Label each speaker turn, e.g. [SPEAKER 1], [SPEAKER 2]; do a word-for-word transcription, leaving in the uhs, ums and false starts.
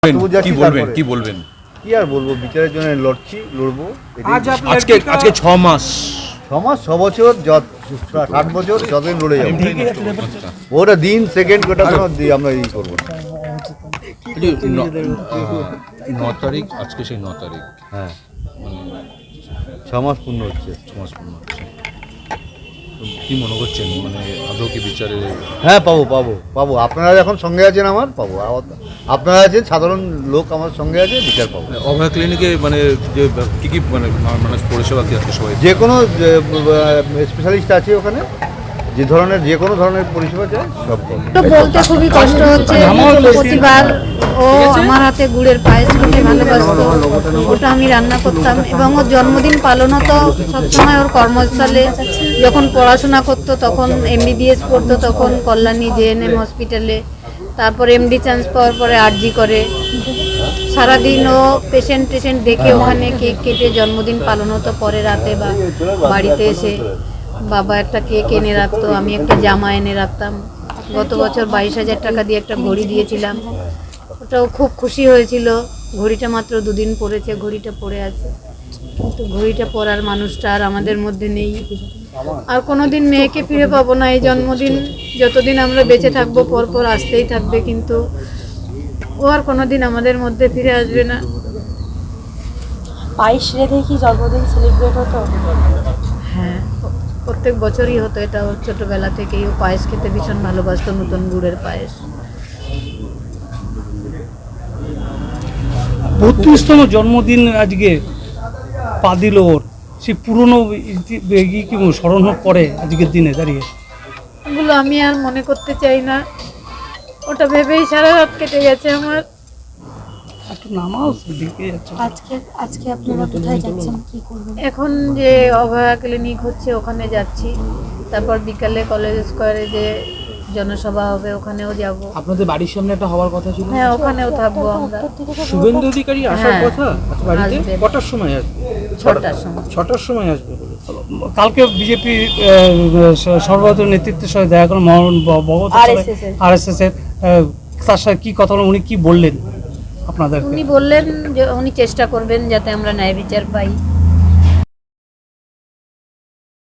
[SPEAKER 1] কি বলবেন কি বলবেন
[SPEAKER 2] কি আর বলবো, বিচারের জন্য লড়ছি, লড়বো।
[SPEAKER 1] আজকে আজকে ছ মাস
[SPEAKER 2] ছ মাস ছ বছর যত ষাট বছর যতদিন লড়ে যাবো, ওটা দিন সেকেন্ড ওটা কোনো দি- আমরা ই করবো না।
[SPEAKER 1] ন তারিখ আজকে সেই ন তারিখ
[SPEAKER 2] হ্যাঁ,
[SPEAKER 1] মানে
[SPEAKER 2] ছ মাস পূর্ণ হচ্ছে।
[SPEAKER 1] ছ মাস পূর্ণ হচ্ছে। তো কি মনে করছেন, মানে আদৌ কি বিচারে
[SPEAKER 2] হ্যাঁ, পাবো পাবো পাবো আপনারা এখন সঙ্গে আছেন, আমার পাবো। আবার আপনারা আছেন, সাধারণ লোক আমার সঙ্গে আছে, বিচার পাবো।
[SPEAKER 1] অভয়া ক্লিনিকে মানে যে কি কি মানে মানুষ পরিষেবা কি আছে সবাই?
[SPEAKER 2] যে কোনো স্পেশালিস্ট আছে ওখানে, যে ধরনের যে কোনো ধরনের পরিষেবা চাই সব পাবো।
[SPEAKER 3] তো বলতে খুবই কষ্ট হচ্ছে। প্রতিবার ও আমার হাতে গুড়ের পায়েস খেতে ভালোবাসতো, ওটা আমি রান্না করতাম এবং ওর জন্মদিন পালন হতো সবসময় ওর কর্মস্থলে। যখন পড়াশোনা করতো তখন এমবিবিএস পড়তো তখন কল্যাণী জেএনএম হসপিটালে, তারপর এমডি চান্স পাওয়ার পরে আরজি করে। সারাদিন ও পেশেন্ট টেশেন্ট দেখে ওখানে কেক কেটে জন্মদিন পালন হতো। পরে রাতে বা বাড়িতে এসে বাবা একটা কেক এনে রাখতো, আমি একটা জামা এনে রাখতাম। গত বছর বাইশ হাজার টাকা দিয়ে একটা ঘড়ি দিয়েছিলাম, ওটাও খুব খুশি হয়েছিল। ঘড়িটা মাত্র দুদিন পরেছে, ঘড়িটা পরে আছে, কিন্তু ঘড়িটা পরার মানুষটা আর আমাদের মধ্যে নেই। আর কোনোদিন মেয়েকে ফিরে পাবো না। এই জন্মদিন যতদিন আমরা বেঁচে থাকবো পর পর আসতেই থাকবে, কিন্তু ও আর কোনোদিন আমাদের মধ্যে ফিরে আসবে না।
[SPEAKER 4] বাইশ রেখে কি জন্মদিন সেলিব্রেট হতো?
[SPEAKER 3] হ্যাঁ, প্রত্যেক বছরই হতো এটা। ওর ছোটোবেলা থেকেই ও পায়েস খেতে ভীষণ ভালোবাসতো, নতুন গুড়ের পায়েস।
[SPEAKER 5] বত্রিশতম জন্মদিন আজকে পা দিল ওর, সেই পুরনো ইতি- ই কি স্মরণ করে আজকের দিনে দাঁড়িয়ে?
[SPEAKER 3] এগুলো আমি আর মনে করতে চাই না, ওটা ভেবেই সারা রাত কেটে গেছে আমার।
[SPEAKER 5] একটু নামাও দিকে যাচ্ছে।
[SPEAKER 4] আজকে আজকে আপনারা কোথায় যাচ্ছেন, কি করবেন?
[SPEAKER 3] এখন যে অভয়া ক্লিনিক হচ্ছে ওখানে যাচ্ছি, তারপর বিকালে কলেজ স্কোয়ারে যে জনসভা হবে ওখানেও যাব।
[SPEAKER 6] আপনাদের বাড়ির সামনে একটা হওয়ার কথা ছিল,
[SPEAKER 3] হ্যাঁ, ওখানেও থাকবো আমরা।
[SPEAKER 6] শুভেন্দু অধিকারী আসার
[SPEAKER 3] হ্যাঁ,
[SPEAKER 6] কথা আচ্ছা, বাড়িতে
[SPEAKER 3] আসবে।
[SPEAKER 6] কটার সময় আসবে?
[SPEAKER 3] ছটার সময়।
[SPEAKER 6] ছটার সময় আসবে বলে।
[SPEAKER 5] কালকে বিজেপি সর্বভারতীয় নেতৃত্বের সাথে দেখা করেন Mohan Bhagat
[SPEAKER 3] R S S এর।
[SPEAKER 5] আর এস এস এর আহ, তার সাথে কি কথা বলেন, উনি কি বললেন আপনাদেরকে?
[SPEAKER 3] উনি বললেন যে উনি চেষ্টা করবেন যাতে আমরা ন্যায় বিচার পাই।